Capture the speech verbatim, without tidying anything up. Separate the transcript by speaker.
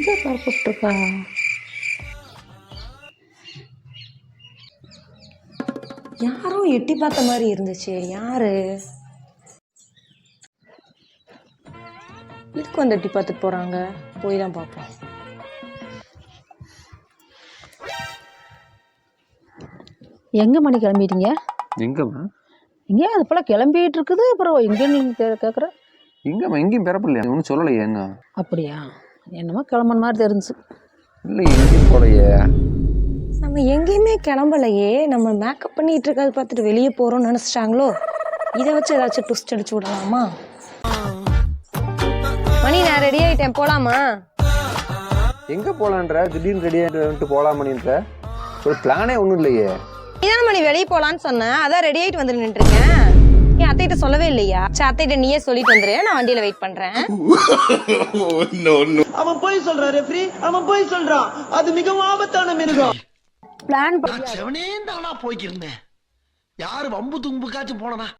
Speaker 1: எங்க பரப்பிட்டுருக்கா? யாரோ எட்டி பார்த்த மாதிரி இருந்துச்சு. யாரு இதுக்கு வந்து எட்டி பார்த்துட்டு போறாங்க? போய் தான் பார்ப்போம்.
Speaker 2: எங்க மணி கிளம்பிட்டீங்க?
Speaker 3: எங்கம்மா
Speaker 2: இங்கே அது போல கிளம்பிட்டு இருக்குது. அப்புறம் எங்க நீங்க கேட்குற?
Speaker 3: எங்கம்மா எங்கேயும் பெறப்பில்லையா? ஒன்றும் சொல்லலையே என்ன?
Speaker 2: அப்படியா? என்னமோ கிளம்புன மாதிரி தெரிஞ்சு.
Speaker 3: இல்லை எங்கேயும் போலையே.
Speaker 1: நம்ம எங்கேயுமே கிளம்பலையே. நம்ம மேக்கப் பண்ணிட்டு இருக்கிறத பார்த்துட்டு வெளியே போறோம்னு நினைச்சிட்டாங்களோ? இதை வச்சு ஏதாச்சும் ட்விஸ்ட் அடிச்சு விடலாமா? மணி நான் ரெடி ஆயிட்டேன், போலாமா?
Speaker 3: எங்கே போகலான்ற? திடீர்னு ரெடி ஆகிட்டு போகலாமணின்ற ஒரு பிளானே ஒன்றும் இல்லையே.
Speaker 1: நீதான மணி வெளியே போலான்னு சொன்னேன், அதான் ரெடி ஆயிட்டு வந்து நின்று இருக்கேன். என் அத்தைகிட்ட சொல்லவே இல்லையா? சரி, அத்தைகிட்ட நீயே சொல்லிட்டு வந்துரு, நான் வண்டியில வெயிட் பண்றேன்.
Speaker 4: அவன் போய் சொல்றான் ரெஃப்ரி, அவன் போய் சொல்றான். அது மிகவும் ஆபத்தான மிருகம்.
Speaker 1: பிளான்
Speaker 5: செவனே தானா போய்க்கிருந்தேன். யாரு வம்பு தும்புக்காச்சும் போனனா?